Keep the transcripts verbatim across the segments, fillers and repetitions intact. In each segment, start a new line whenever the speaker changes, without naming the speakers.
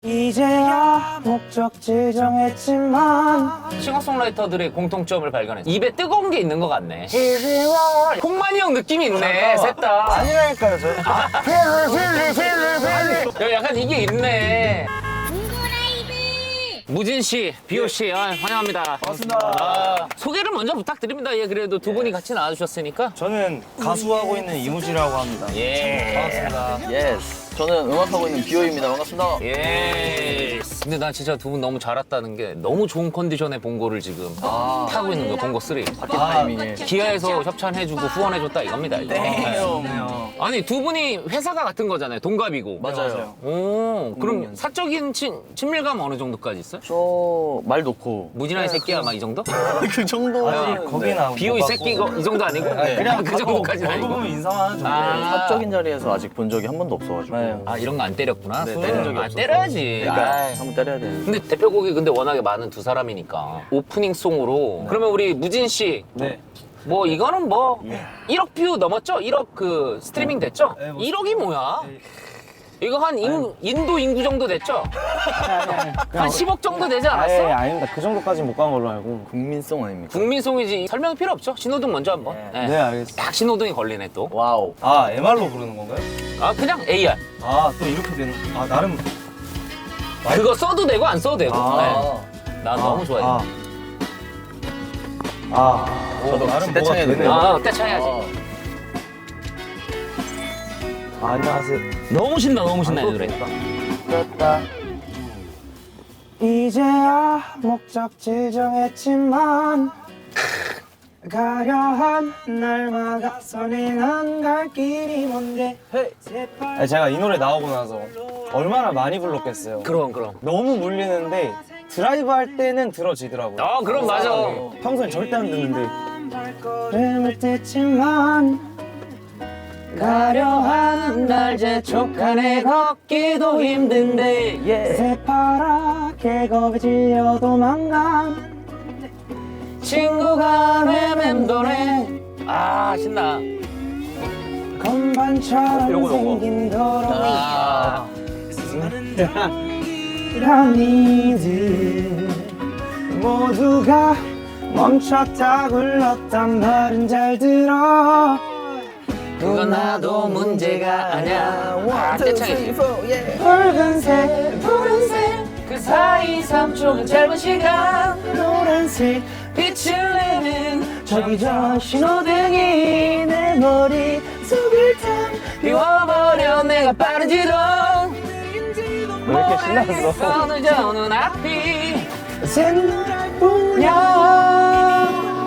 이제야 목적지 정했지만
싱어송라이터들의 공통점을 발견했어. 입에 뜨거운 게 있는 것 같네. 콩만이 형 느낌이 있네, 셋 다.
아니라니까요 저.
야, 약간 이게 있네. 무진 씨, 비오 씨, 아, 환영합니다.
반갑습니다.
아, 소개를 먼저 부탁드립니다. 예, 그래도 두 분이 같이 나와주셨으니까.
저는 가수하고 있는 이무지라고 합니다.
예.
반갑습니다.
예스. 저는 음악하고 있는 비오입니다. 반갑습니다.
예. 근데 난 진짜 두 분 너무 잘 왔다는 게 너무 좋은 컨디션의 봉고를 지금
아.
타고 있는 거예요, 봉고 쓰리.
바퀴 타이밍에.
기아에서 협찬해주고 후원해줬다 이겁니다. 이거.
네.
아니, 두 분이 회사가 같은 거잖아요. 동갑이고.
맞아요.
오, 그럼
음.
사적인 친, 친밀감 어느 정도까지 있어요?
저 말 놓고
무진아의 새끼야, 막 이 정도?
그 정도는
거기나
비오 이 새끼 이거 이 정도 아니고?
네.
그냥
그 정도까지는
얼굴
아니고.
보면 인사만 하죠.
아.
사적인 자리에서 아직 본 적이 한 번도 없어가지고.
네.
아, 이런 거 안 때렸구나.
네,
손을.
때린 적이
아,
없어서.
때려야지.
그러니까
아이.
한번 때려야 돼.
근데 대표곡이 근데 워낙에 많은 두 사람이니까 오프닝 송으로 그러면 우리 무진 씨.
네.
뭐 이거는 뭐 일억 뷰 넘었죠? 일억 그 스트리밍 됐죠?
네, 뭐.
일억이 뭐야? 이거 한 인, 인도 인구 정도 됐죠? 한 십억 정도 되지 않았어?
아예 아닙니다. 그 정도까지 못 간 걸로 알고.
국민송 아닙니까?
국민송이지 설명 필요 없죠? 신호등 먼저 한번. 네.
네 알겠습니다.
딱 신호등이 걸리네 또.
와우.
아 엠알로 부르는 건가요?
아 그냥 에이알.
아 또 이렇게 되는. 아 나름.
그거 써도 되고 안 써도 되고.
아.
네. 나 너무 좋아해.
아. 아.
저도
나름
떼창해야
뭐가
되네요.
아, 떼창해야지.
아, 안녕하세요.
너무 신나, 너무 신나, 이 노래.
떴다. 이제야 목적지 정했지만 가려 한 날마다 선행한 갈 길이 뭔데. 아니, 제가 이 노래 나오고 나서 얼마나 많이 불렀겠어요.
그럼, 그럼.
너무 물리는데 드라이브 할 때는 들어지더라고요.
아, 그럼 맞아.
평소엔 절대 안 듣는데. 발걸음을 뗐지만 가려한 날 재촉하네 걷기도 힘든데 새파랗게 겁에 질려 도망간 친구가 내 맴도네.
아, 신나.
건반처럼
요거, 요거.
생긴 도로위
아,
피라미드 모두가 멈췄다 굴렀단 말은 잘 들어.
그건 나도 문제가 아냐. 아, 떼창이지.
붉은색 푸른색
그 사이 삼 초는 짧은 시간
노란색
빛을 내는
저기 저 신호등이 내 머리 속을 탐
비워버려 내가 빠르지도
왜 이렇게 신났어?
늦어 눈앞이
샛노랄 뿐이야.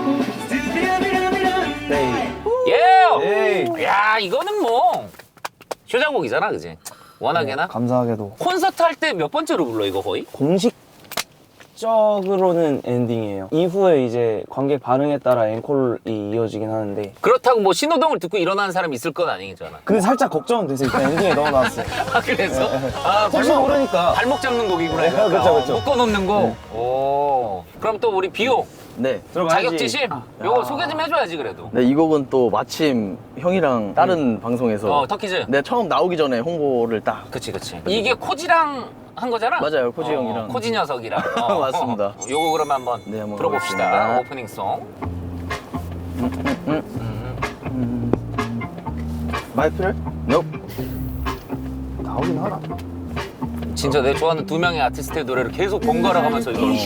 네.
예!
에이.
야, 이거는 뭐 효자곡이잖아, 그지? 워낙에나
감사하게도
콘서트 할 때 몇 번째로 불러 이거 거의?
공식적으로는 엔딩이에요. 이후에 이제 관객 반응에 따라 앵콜이 이어지긴 하는데
그렇다고 뭐 신호등을 듣고 일어나는 사람이 있을 건 아니잖아.
근데 살짝 걱정은 돼서 일단 엔딩에 넣어놨어요.
아, 그래서? 아,
혹시
발목,
모르니까.
발목 잡는 곡이구나.
네,
이거.
그쵸, 그쵸.
묶어놓는 거. 오. 그럼 또 우리 비오
네.
들어가야지.
자격지심 요거 소개 좀 해줘야지 그래도.
네, 이 곡은 또 마침 형이랑 다른 방송에서
어, 터키즈.
네, 처음 나오기 전에 홍보를 딱.
그치, 그치. 이게 코지랑 한 거잖아?
맞아요, 코지
어,
형이랑.
코지 녀석이랑. 어,
맞습니다.
어. 요거 그러면 한번
네, 한번
들어봅시다.
가보겠습니다.
오프닝송.
마이크 필요해? Nope.
나오긴 하나.
진짜 내 좋아하는 두 명의 아티스트의 노래를 계속 번갈아 가면서 이걸.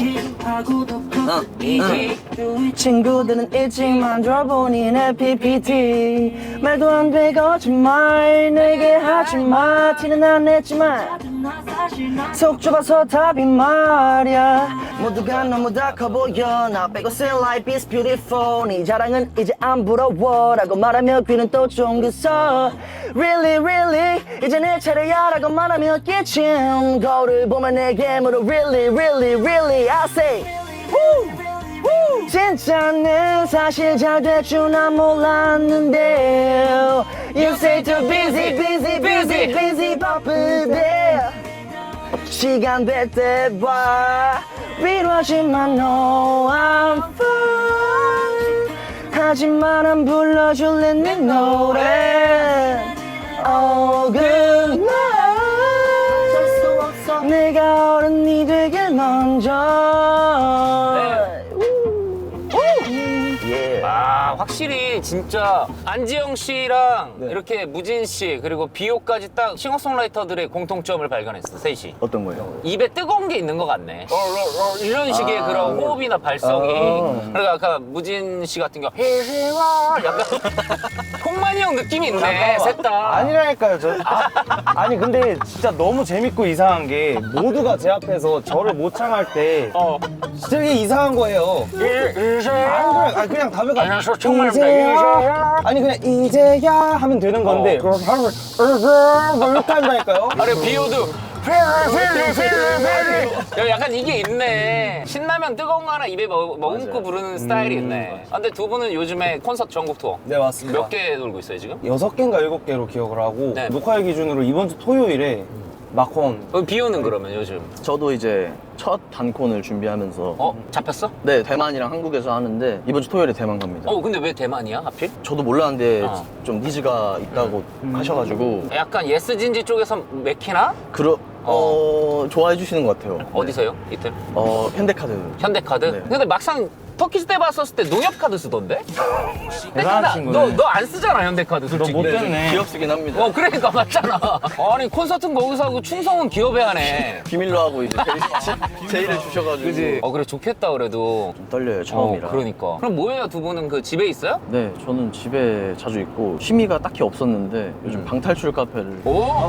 친구들은 일찍 만들어보니 내 피피티 말도 안 돼 거짓말 내게 하지마 티는 안 냈지만 속 좁아서 답이 말야 모두가 너무 다 커보여 나 빼고 say life is beautiful 네 자랑은 이제 안 부러워 라고 말하며 귀는 또 쫑긋서 Really really 이제 내 차례야 라고 말하며 끼친 거울을 보면 내게 물어 Really really really I say Woo! Woo! 진짜는 사실 잘 될 줄 난 몰랐는데 You say too busy busy busy busy 바쁘대 시간 될 때 봐 위로하지만 No I'm fine 하지만 안 불러줄래 네 노래 Oh good night 내가 어른이 되길 먼저. 예.
아 확실히 진짜 안지영 씨랑
네.
이렇게 무진 씨 그리고 비오까지 딱 싱어송라이터들의 공통점을 발견했어 셋이.
어떤 거예요?
입에 뜨거운 게 있는 것 같네. 어, 어, 어, 이런 식의
아,
그런
네.
호흡이나 발성이.
아.
그러니까 아까 무진 씨 같은 경우 헤헤와 약간 콩만이 형 느낌이 있네 셋 다.
아니라니까요. 저 아, 아니 근데 진짜 너무 재밌고 이상한 게 모두가 제 앞에서 저를 못 참을 때
어.
진짜 이게 이상한 거예요.
이- 이세요.
아니 그냥, 아니, 그냥 답변가
아니, 저 정말
이제야 아니 그냥 이제야 하면 되는 건데
어.
그걸 하면 으으으 뭐 이렇게 한다니까요.
아래 비오도 페리 페리 페리 페리 약간 이게 있네. 신라면 뜨거운 거 하나 입에 먹, 머금고
맞아요.
부르는 스타일이 있네. 아, 근데 두 분은 요즘에 콘서트 전국 투어
네 맞습니다.
몇 개 돌고 있어요 지금?
여섯 개인가 일곱 개로 기억을 하고
네.
녹화일 기준으로 이번 주 토요일에 마콘
어, 비오는 그러면 요즘
저도 이제 첫 단콘을 준비하면서
어? 잡혔어?
네 대만이랑 한국에서 하는데 이번 주 토요일에 대만 갑니다.
어 근데 왜 대만이야 하필?
저도 몰랐는데
어.
좀 니즈가 있다고 하셔가지고
약간 예스진지 쪽에서 맥히나?
그러 어, 좋아해 주시는 것 같아요.
어디서요? 이틀?
어 현대카드.
현대카드?
네.
근데 막상 터키스 때 봤었을 때 농협카드 쓰던데?
대단한 친구네.
너 안 쓰잖아 현대카드 솔직히.
못 됐네.
기업 쓰긴 합니다.
어 그러니까 맞잖아. 아니 콘서트는 거기서 하고 충성은 기업에 하네.
비밀로 하고 이제 제의, 제의를 주셔가지고
어 그래 좋겠다 그래도.
좀 떨려요 처음이라.
어, 그러니까. 그럼 뭐예요 두 분은 그 집에 있어요?
네 저는 집에 자주 있고 취미가 딱히 없었는데 요즘 방탈출 카페를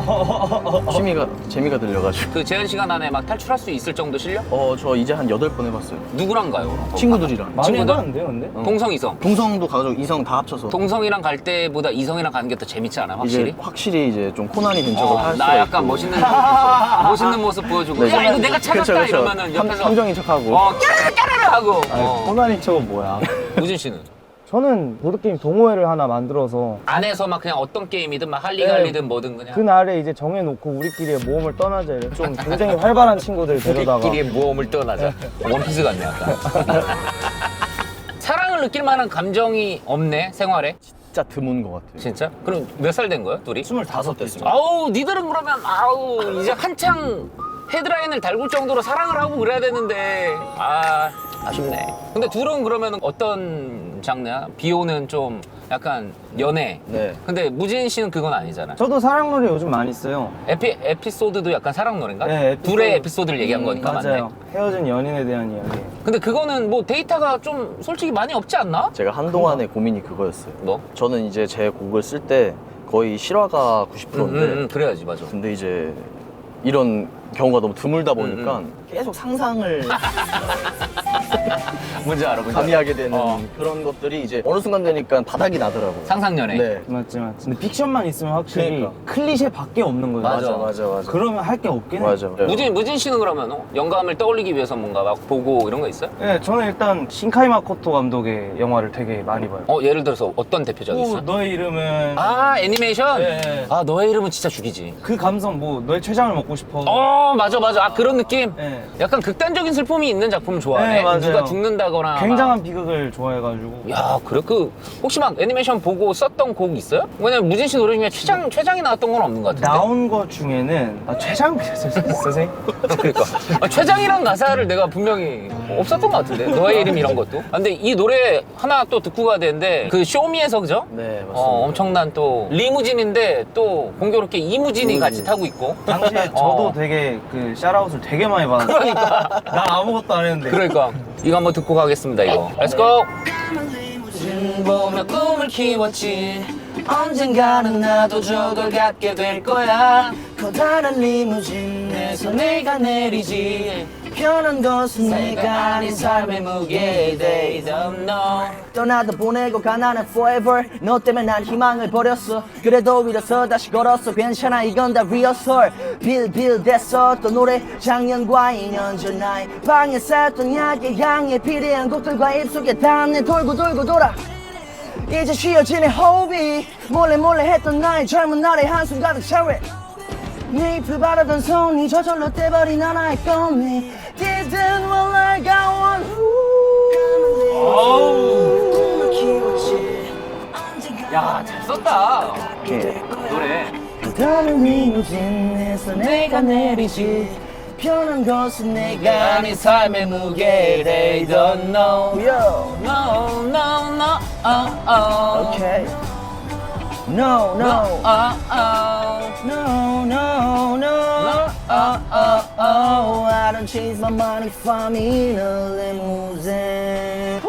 오?
취미가 재미가 들려가지고
그 제한 시간 안에 막 탈출할 수 있을 정도 실력?
어 저 이제 한 여덟 번 해봤어요.
누구랑 가요?
친구들이랑.
많이
친구들?
해봤는데요 근데?
동성 이성.
동성도 가족 이성 다 합쳐서
동성이랑 갈 때보다 이성이랑 가는 게 더 재밌지 않아 확실히?
이제 확실히 이제 좀 코난이 된 척을
어,
할 수가
나 약간
있고.
멋있는 모습, 멋있는 모습 보여주고
네,
야 이거 내가 찾았다
그쵸, 그쵸.
이러면은
함-
옆에서
함정인 척하고.
어 까르르 까르르 하고 어.
호난이 척은 뭐야?
우진 씨는?
저는 보드게임 동호회를 하나 만들어서
안에서 막 그냥 어떤 게임이든 막 할리갈리든 뭐든 그냥
그날에 이제 정해놓고 우리끼리의 모험을 떠나자 이래 좀 굉장히 활발한 친구들 데려다가
우리끼리의 모험을 떠나자. 원피스 같네 약간. 사랑을 느낄 만한 감정이 없네 생활에.
진짜 드문 것 같아요.
진짜? 그럼 몇 살 된 거야 둘이?
스물다섯 됐습니다.
아우 니들은 그러면 아우 이제 한창 헤드라인을 달굴 정도로 사랑을 하고 그래야 되는데 아 아쉽네. 근데 둘은 그러면 어떤 장르야? 비오는 좀 약간 연애.
네.
근데 무진 씨는 그건 아니잖아.
저도 사랑 노래 요즘 많이 써요.
에피, 에피소드도 약간 사랑 노래인가?
네, 에피소드.
둘의 에피소드를 얘기한 거니까 맞네.
맞아요. 헤어진 연인에 대한 이야기.
근데 그거는 뭐 데이터가 좀 솔직히 많이 없지 않나?
제가 한동안의 고민이 그거였어요.
뭐?
저는 이제 제 곡을 쓸 때 거의 실화가 구십
음,
퍼센트인데
음, 음, 그래야지 맞아.
근데 이제 이런 경우가 너무 드물다 보니까
음,
계속 상상을
뭔지 알아, 뭔지 알아.
가미하게 되는
어.
그런 것들이 이제 어느 순간 되니까 바닥이 나더라고요.
상상연애.
네.
맞지 맞지. 근데 픽션만 있으면 확실히
그러니까.
클리셰밖에 없는 거예요.
맞아,
맞아 맞아.
그러면 할 게 없긴 해.
맞아.
무진, 무진 씨는 그러면 어? 영감을 떠올리기 위해서 뭔가 막 보고 이런 거 있어요?
네, 저는 일단 신카이 마코토 감독의 영화를 되게 많이 봐요.
어 예를 들어서 어떤 대표작이
오,
있어?
너의 이름은
아 애니메이션?
네.
아 너의 이름은 진짜 죽이지.
그 감성 뭐 너의 췌장을 먹고 싶어.
어 맞아 맞아 아 그런 느낌?
네.
약간 극단적인 슬픔이 있는 작품을 좋아하네.
네, 맞아요.
누가 죽는다거나 막.
굉장한 비극을 좋아해가지고.
야 그래? 그 혹시 막 애니메이션 보고 썼던 곡 있어요? 왜냐면 무진 씨 노래 중에 최장, 최장이 나왔던 건 없는 것 같은데.
나온 것 중에는 아, 최장 선생님?
그러니까 아, 최장이란 가사를 내가 분명히 없었던 것 같은데 너의 이름 이런 것도. 아, 근데 이 노래 하나 또 듣고 가야 되는데 그 쇼미에서 그죠?
네 맞습니다.
어, 엄청난 또 리무진인데 또 공교롭게 이무진이
음.
같이 타고 있고.
당시에 저도
어.
되게 그 샤라웃을 되게 많이 받았어요.
그러니까
난 아무것도 안 했는데.
그러니까 이거 한번 듣고 가겠습니다 이거. Let's go. 보며 꿈을 키웠지 언젠가는 나도 저걸 갖게 될 거야 커다란 리무진에서 내가 내리지
변한 것은
내가 아닌 삶의 무게 They don't know
떠나도 보내고 가나는 forever 너 때문에 난 희망을 버렸어 그래도 일어서 다시 걸었어 괜찮아 이건 다 리허설 빌빌 됐어 또 노래 작년과 이 년 전 나의 방에 쌓였던 약의 향에 비례한 곡들과 입속에 닿네 돌고 돌고 돌아 이제 쉬어지는 호흡이 몰래 몰래 했던 나의 젊은 날의 한숨 가득 샤워해 네 잎을 바라던 손이 저절로 떼버린 하나의 꽃잎 Didn't want like I want
야 잘 썼다
예.
노래.
다른 리무진에서 내가 내리지 편한 것은 내가
내가 네 삶의 무게 They don't know
Yo.
No no no oh oh
Okay. No, no,
oh oh
no, no, no. Oh, oh, oh. I don't chase my money from in a limousine.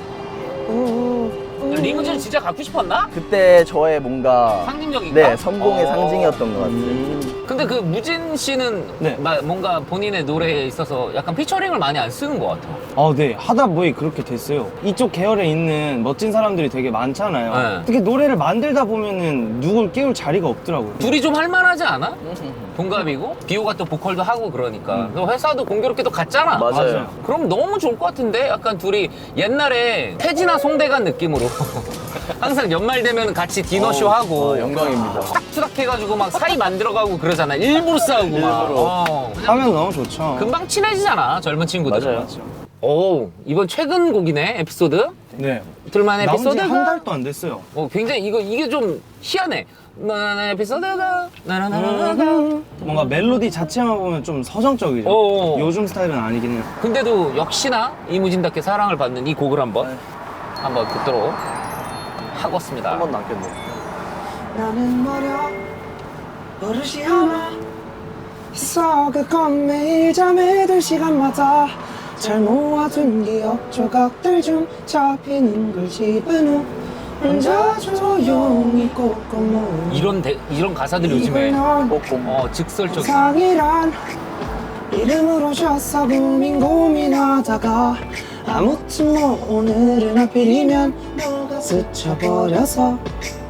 Ooh, ooh.
리무진 진짜 갖고 싶었나?
그때 저의 뭔가
상징적인가?
네, 성공의
어.
상징이었던 것 같아요.
근데 그 무진 씨는
네.
마- 뭔가 본인의 노래에 있어서 약간 피처링을 많이 안 쓰는 것 같아.
아, 네. 하다 보니 그렇게 됐어요. 이쪽 계열에 있는 멋진 사람들이 되게 많잖아요.
네.
특히 노래를 만들다 보면은 누굴 깨울 자리가 없더라고요.
둘이 좀 할만하지 않아? 동갑이고 비호가 또 보컬도 하고 그러니까 또 회사도 공교롭게 또 갔잖아.
맞아요.
맞아요.
그럼 너무 좋을 것 같은데? 약간 둘이 옛날에 태진아 송대관 느낌으로 항상 연말 되면 같이 디너쇼 하고
아, 영광입니다.
투닥투닥 해가지고 막 사이 만들어가고 그러잖아. 일부러 싸우고 막.
일부러.
어.
하면 너무 좋죠.
금방 친해지잖아 젊은 친구들.
맞아요.
오 이번 최근 곡이네 에피소드.
네.
들만의
나온 지
에피소드가
한 달도 안 됐어요.
어, 굉장히 이거 이게 좀 희한해. 나나나 에피소드가 나나나나나.
뭔가 멜로디 자체만 보면 좀 서정적이죠.
어어.
요즘 스타일은 아니긴 해요.
근데도 역시나 이무진답게 사랑을 받는 이 곡을 한번
네.
한번 듣도록 하겠습니다.
한 번도 안 깼네.
나는 머려 버릇이 하나 있어. 그건 매일 잠에 들 시간마다 잘 모아둔 기억 조각들 중 잡히는 걸 집은 후 혼자 조용히 꼼꼼
이런 대, 이런 가사들 요즘에
꼬꼼.
어 직설적.
상이란 이름으로 졌어 고민 고민하다가 아무튼 뭐 오늘은 하필이면 너가 스쳐버려서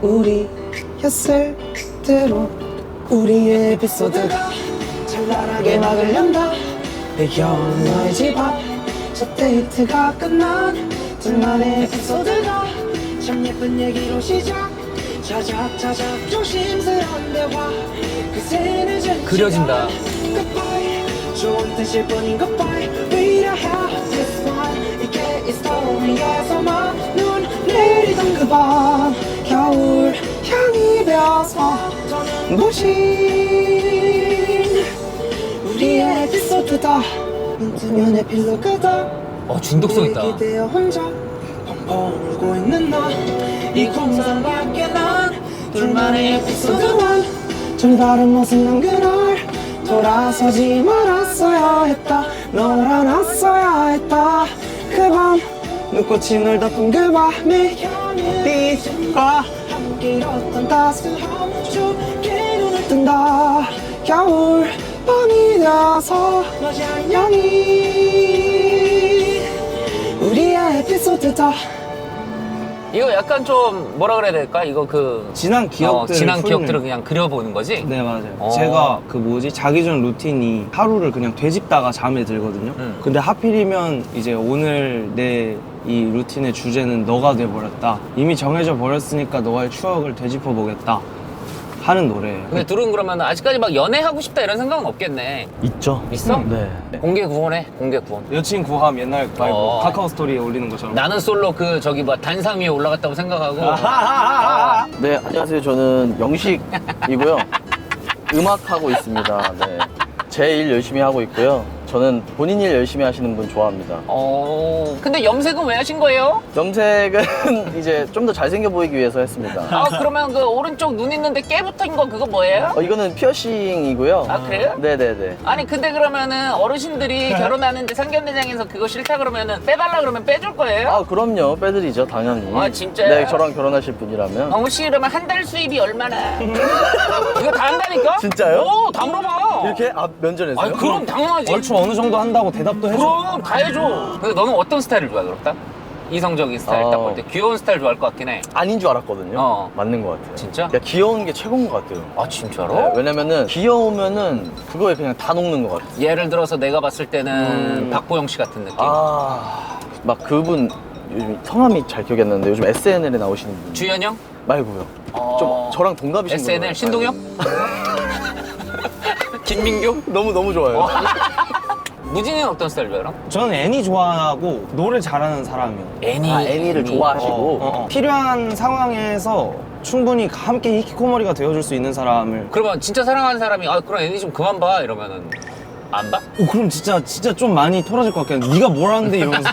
우리였을 대로 우리의 에피소드가 찬란하게 막을 연다. 배겨온 너의 집 앞 첫 데이트가 끝난 둘만의 에피소드가 참 예쁜 얘기로 시작. 자작자작 조심스러운 대화 그새 늦은
그려진다.
시간. Goodbye 좋은 뜻일 뿐인 goodbye We don't have this one 이게 이 스토리에서만 눈 내리던 그 밤 겨울 향이 배어서 무신 우리의 에피소드다. 눈 뜨면 에필로그다.
어 중독성 있다.
기대어 혼자 펑펑 울고 있는 나 이 공상 밖에 난 둘만의 에피소드만 좀 다른 모습 난 그날 돌아서지 말았어야 했다. 널 안았어야 했다. 그 밤 눈꽃이 널 덮은 그 밤에 빛과 함께 잃었던 따스함 춥게 눈을 뜬다. 겨울 밤이 되어서 너지 안녕히 우리의 에피소드다.
이거 약간 좀 뭐라 그래야 될까? 이거 그
지난
어,
기억들
지난 기억들을 그냥 그려보는 거지.
네 맞아요.
어.
제가 그 뭐지 자기 전 루틴이 하루를 그냥 되짚다가 잠에 들거든요.
음.
근데 하필이면 이제 오늘 내 이 루틴의 주제는 너가 돼버렸다. 이미 정해져 버렸으니까 너와의 추억을 되짚어 보겠다 하는 노래예요.
근데 둘은 그러면 아직까지 막 연애하고 싶다 이런 생각은 없겠네.
있죠?
있어?
네.
공개 구원해. 공개 구원.
여친 구함 옛날 말고
어.
카카오 스토리에 올리는 것처럼.
나는 솔로 그 저기 뭐 단상 위에 올라갔다고 생각하고.
네, 안녕하세요. 저는 영식이고요. 음악하고 있습니다. 네. 제 일 열심히 하고 있고요. 저는 본인 일 열심히 하시는 분 좋아합니다.
어. 근데 염색은 왜 하신 거예요?
염색은 이제 좀 더 잘생겨 보이기 위해서 했습니다.
아 그러면 그 오른쪽 눈 있는데 깨붙은 거 그거 뭐예요?
어, 이거는 피어싱이고요.
아 그래요?
네네네.
아니 근데 그러면은 어르신들이 결혼하는데 상견례장에서 그거 싫다 그러면은 빼달라 그러면 빼줄 거예요?
아, 그럼요. 빼드리죠, 당연히.
아, 진짜요?
네, 저랑 결혼하실 분이라면.
너무 싫으면 한 달 수입이 얼마나? 이거 다 한다니까?
진짜요?
오, 다 물어봐.
이렇게 앞 면전에서요?
아니 그럼 당연하지.
얼추 어느 정도 한다고 대답도 해줘.
그럼 다 해줘. 근데 너는 어떤 스타일을 좋아해 그렇다? 이성적인 스타일 딱
어.
볼 때 귀여운 스타일 좋아할 것 같긴 해.
아닌 줄 알았거든요.
어.
맞는 것 같아요.
진짜?
야, 귀여운 게 최고인 것 같아요.
아 진짜로?
네, 왜냐면은 귀여우면은 그거에 그냥 다 녹는 것 같아요.
예를 들어서 내가 봤을 때는
음.
박보영 씨 같은 느낌.
아, 막 그분 요즘 성함이 잘 기억이 안 나는데 요즘 에스엔엘에 나오시는 분
주현영?
말고요.
어.
좀 저랑 동갑이신 분.
에스엔엘 신동엽? 김민규?
너무 너무 좋아요.
무진이는 어떤 스타일 좋아해요?
저는 애니 좋아하고 노래 잘하는 사람이요.
애니.
아, 애니를 좋아하시고.
어, 어, 어. 필요한 상황에서 충분히 함께 히키코모리가 되어줄 수 있는 사람을.
그러면 진짜 사랑하는 사람이 아 그럼 애니 좀 그만 봐 이러면은 안 봐?
오, 그럼 진짜 진짜 좀 많이 토라질 것 같긴 해. 네가 뭘 하는데 이러면서.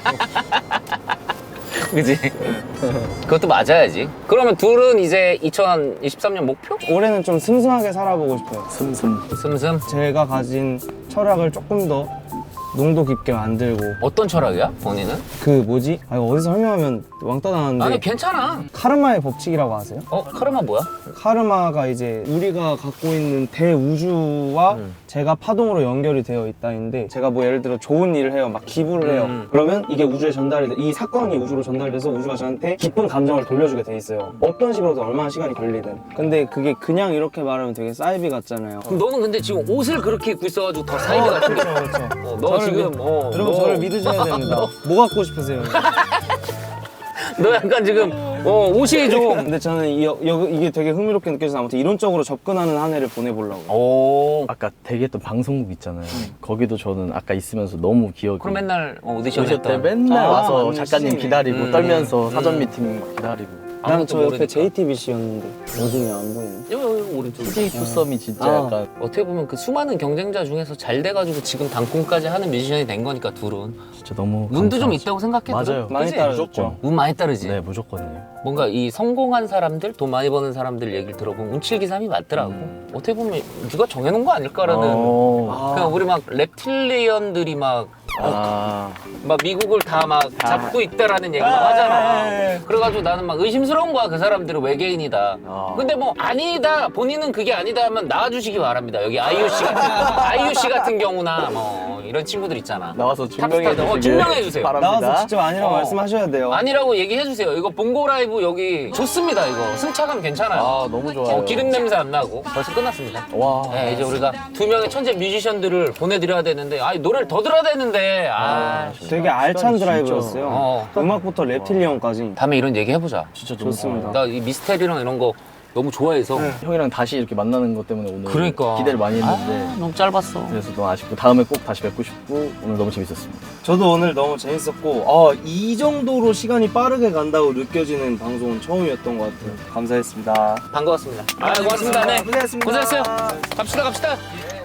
그지? 그것도 맞아야지. 그러면 둘은 이제 이천이십삼 년 목표?
올해는 좀 슴슴하게 살아보고 싶어요.
슴슴.
슴슴.
제가 가진 철학을 조금 더 농도 깊게 만들고.
어떤 철학이야? 본인은?
그 뭐지? 아, 이거 어디서 설명하면 왕따 나는데.
아니 괜찮아.
카르마의 법칙이라고 아세요?
어? 카르마 뭐야?
카르마가 이제 우리가 갖고 있는 대우주와
음.
제가 파동으로 연결이 되어 있다인데, 제가 뭐 예를 들어 좋은 일을 해요, 막 기부를 해요.
음.
그러면 이게 우주에 전달이 돼, 이 사건이 우주로 전달돼서 우주가 저한테 기쁜 감정을 돌려주게 돼 있어요. 어떤 식으로든 얼마나 시간이 걸리든. 근데 그게 그냥 이렇게 말하면 되게 사이비 같잖아요.
그럼 너는 근데 지금 옷을 그렇게 입고 있어가지고 더 사이비 같은 게.
그렇죠, 그렇죠.
어, 너
저를
지금
믿-
어,
여러분
너,
저를 믿으셔야 됩니다. 뭐 갖고 싶으세요?
너 약간 지금 어, 옷이 좀.
근데 저는 이, 여, 이게 되게 흥미롭게 느껴져서 아무튼 이론적으로 접근하는 한 해를 보내보려고.
오.
아까 대기했던 방송국 있잖아요. 거기도 저는 아까 있으면서 너무 기억이.
그럼 맨날 어, 오디션
오디션 때
했던.
맨날
아,
와서
맞네,
작가님
시즌이.
기다리고
음.
떨면서 사전
음.
미팅 막 기다리고.
난
아무것도
저 옆에
모르니까.
제이티비씨였는데 어디냐 안 보이네.
여기, 여기 오른쪽.
씨제이 투썸이 진짜
아.
약간
어떻게 보면 그 수많은 경쟁자 중에서 잘 돼가지고 지금 단콩까지 하는 뮤지션이 된 거니까 둘은
진짜 너무
운도 좀
감사하죠.
있다고 생각해.
맞아요.
둘은?
많이
그치?
따라줬죠.
운 많이 따르지.
네, 무조건이에요.
뭔가 이 성공한 사람들, 돈 많이 버는 사람들 얘기를 들어보면 운칠기삼이 맞더라고.
음.
어떻게 보면 누가 정해놓은 거 아닐까라는.
어.
그냥 우리 막 reptilian들이 막,
아.
막 미국을 다 막 잡고 있다라는 얘기 막 하잖아. 그래가지고 나는 막 의심스러운 거야. 그 사람들은 외계인이다.
아.
근데 뭐 아니다, 본인은 그게 아니다 하면 나와주시기 바랍니다. 여기 아이유 씨 같은, 아이유 씨 같은 경우나 뭐 이런 친구들 있잖아.
나와서 증명해
탑스타들. 어,
주시길
증명해 주세요.
바랍니다.
나와서 직접 아니라고
어.
말씀하셔야 돼요.
아니라고 얘기해 주세요. 이거 봉고 라이브 여기 좋습니다. 이거 승차감 괜찮아요.
아, 너무 좋아요.
어, 기름 냄새 안 나고 벌써 끝났습니다.
와.
네, 이제 우리가 두 명의 천재 뮤지션들을 보내드려야 되는데, 아, 노래를 더 들어야 되는데, 아,
되게 알찬
시간이 진짜-
드라이브였어요.
어.
음악부터 랩틸리언까지.
다음에 이런 얘기 해보자.
진짜 너무
좋습니다.
나 이 미스테리랑 이런 거 너무 좋아해서.
형이랑 다시 이렇게 만나는 것 때문에 오늘
그러니까
기대를 많이 했는데
아, 너무 짧았어.
그래서 너무 아쉽고 다음에 꼭 다시 뵙고 싶고 오늘 너무 재밌었습니다.
저도 오늘 너무 재밌었고, 어, 이 정도로 시간이 빠르게 간다고 느껴지는 방송은 처음이었던 것 같아요. 감사했습니다.
반가웠습니다. 아, 고맙습니다. 네.
고생했습니다.
고생했어요. 갑시다, 갑시다.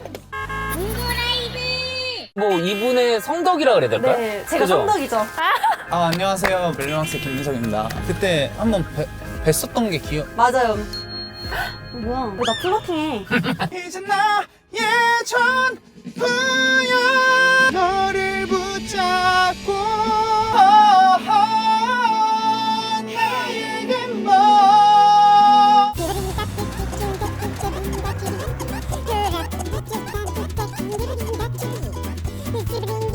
뭐 이분의 성덕이라 그래야 될까요?
네, 제가
그죠?
성덕이죠.
아 안녕하세요 멜로망스 김민석입니다. 그때 한번 뵀- 뵀었던 게 기억.
맞아요. 뭐야? 왜 나 플러팅해?
이제 나 예전 부여 너를 붙잡고 나에겐 뭐
You have to